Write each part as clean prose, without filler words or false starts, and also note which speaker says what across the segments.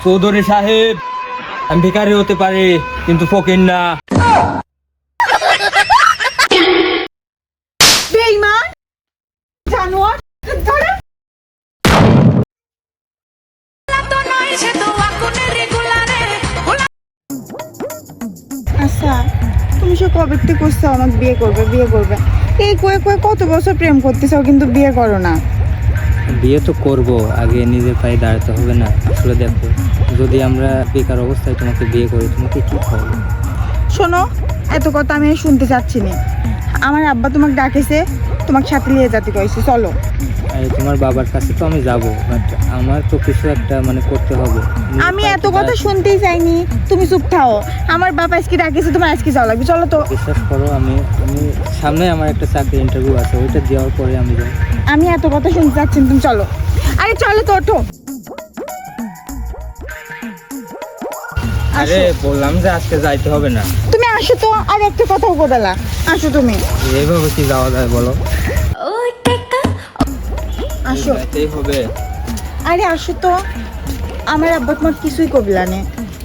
Speaker 1: চৌধুরী সাহেব, আমি ভিখারি হতে পারি কিন্তু ফকির না।
Speaker 2: বেঈমান জানোয়ার ধরে। আচ্ছা, তুমি সে কবে থেকে করছো আমাকে বিয়ে করবে এই কয়ে কত বছর প্রেম করতেছো কিন্তু বিয়ে করো না।
Speaker 1: বিয়ে তো করব, আগে নিজের পায়ে দাঁড়াতে হবে না? আসলে দেখো, যদি আমরা বেকার অবস্থায় তোমাকে বিয়ে করি, তোমাকে কি খাওয়াবো?
Speaker 2: শোনো, এত কথা আমি শুনতে চাচ্ছি না। আমার আব্বা তোমাকে ডাকেছে, তোমাকে সাথে নিয়ে যেতে কইছে, চলো।
Speaker 1: আর তোমার বাবার কাছে তো আমি যাব, বাট আমার তো কিছু একটা করতে হবে।
Speaker 2: আমি এত কথা শুনতেই চাইনি, তুমি চুপ থাও। আমার বাবা আজকে ডাকেছে, তোমার আজকে যাওয়া লাগবে, চলো তো।
Speaker 1: বিশ্বাস করো, আমি সামনে আমার একটা চাকরি ইন্টারভিউ আছে, ওইটা দেওয়ার পরে আমি যাই।
Speaker 2: আমি এত কথা শুনতে চাচ্ছি না, তুমি চলো। আরে চলো তো, ওঠো।
Speaker 1: আরে বললাম যে আজকে যাইতে হবে না।
Speaker 2: তুমি আসো তো, আর একটা কথাও বদলা। আসো তুমি,
Speaker 1: এইভাবে কি যাওয়া যায় বলো?
Speaker 2: আসো।
Speaker 1: যাইতেই হবে।
Speaker 2: আরে আসো তো, আমার আব্বা তোমার কিছুই কবিলা নে।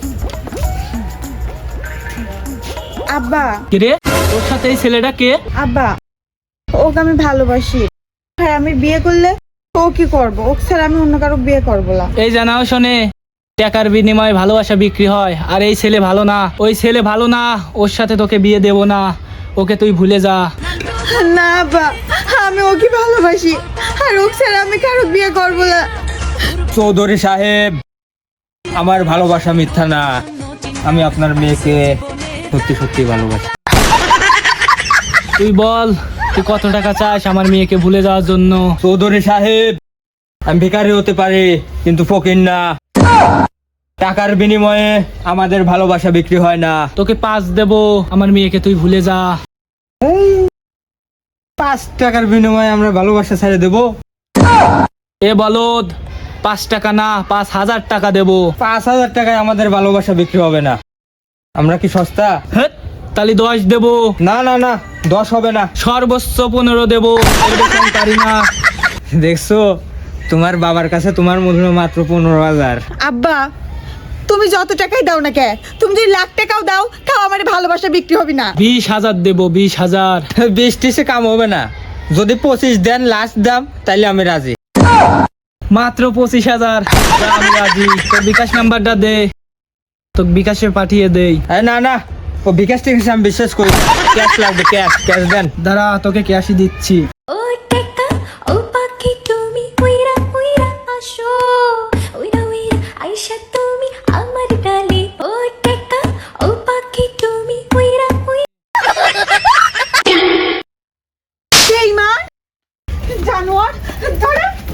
Speaker 2: আব্বা,
Speaker 1: কিরে, তোর সাথে এই ছেলেটা কে?
Speaker 2: আব্বা, ওকে আমি ভালোবাসি। হ্যাঁ, আমি বিয়ে করলে ও কি করবো? ওকে ছাড়া আমি অন্য কারো বিয়ে করবো না।
Speaker 3: এই জানাও শোনে, টাকার বিনিময়ে ভালোবাসা বিক্রি হয়। আর এই ছেলে ভালো না, ওই ছেলে ভালো না, ওর সাথে তোকে বিয়ে দেব না। ওকে তুই ভুলে যা।
Speaker 2: না আব্বা, আমি ওকে ভালোবাসি, আর ওকে ছাড়া আমি কারো বিয়ে করবো না।
Speaker 1: চৌধুরী সাহেব, আমার ভালোবাসা মিথ্যা না। আমি আপনার মেয়েকে সত্যি সত্যি ভালোবাসি।
Speaker 3: তুই বল, তুই কত টাকা চাস আমার মেয়েকে ভুলে যাওয়ার জন্য?
Speaker 1: চৌধুরী সাহেব, আমি ভিখারি হতে পারি কিন্তু ফকির না। টাকার বিনিময়ে আমাদের ভালোবাসা বিক্রি হয় না।
Speaker 3: তোকে 5 দেব, আমার মেয়েকে তুই ভুলে যা।
Speaker 1: 5 টাকার বিনিময়ে আমরা ভালোবাসা ছেড়ে দেবো?
Speaker 3: এ বলদ, 5 টাকা না, 5,000 টাকা দেব।
Speaker 1: 5,000 টাকায় আমাদের ভালোবাসা বিক্রি হবে না। আমরা কি সস্তা?
Speaker 3: হেৎ, তাহলে 10 দেব।
Speaker 1: না না না, 10 হবে না।
Speaker 3: সর্বোচ্চ 15 দেব, এর বেশি আমি পারি না।
Speaker 1: দেখছো, তোমার বাবার কাছে তোমার মূল্য মাত্র 15,000।
Speaker 2: আব্বা, তুমি যত টাকাই দাও না কে, তুমি যদি লাখ টাকাও দাও, তাও আমার ভালোবাসা বিক্রি হবে না।
Speaker 3: 20,000 দেব, 20,000।
Speaker 1: 20 কাম হবে না। যদি 25 দেন লাস্ট দাম, তাইলে আমি রাজি।
Speaker 3: মাত্র 25,000, আমি রাজি। তোর বিকাশ নাম্বারটা দে, তোকে বিকাশে পাঠিয়ে দেই।
Speaker 1: না না, ও বিকাশ থেকে আমি বিশ্বাস করি। ক্যাশ লাগবে, ক্যাশ ক্যাশ দেন।
Speaker 3: দাঁড়া, তোকে ক্যাশই দিচ্ছি।
Speaker 4: ও টেকা ও পাখি তুমি উইরা উইরা আসো উইরা উইরা আইসা তুমি আমার ডালে ও টেকা ও পাখি তুমি উইরা উইরা
Speaker 2: বেঈমান জানোয়ার ধরে।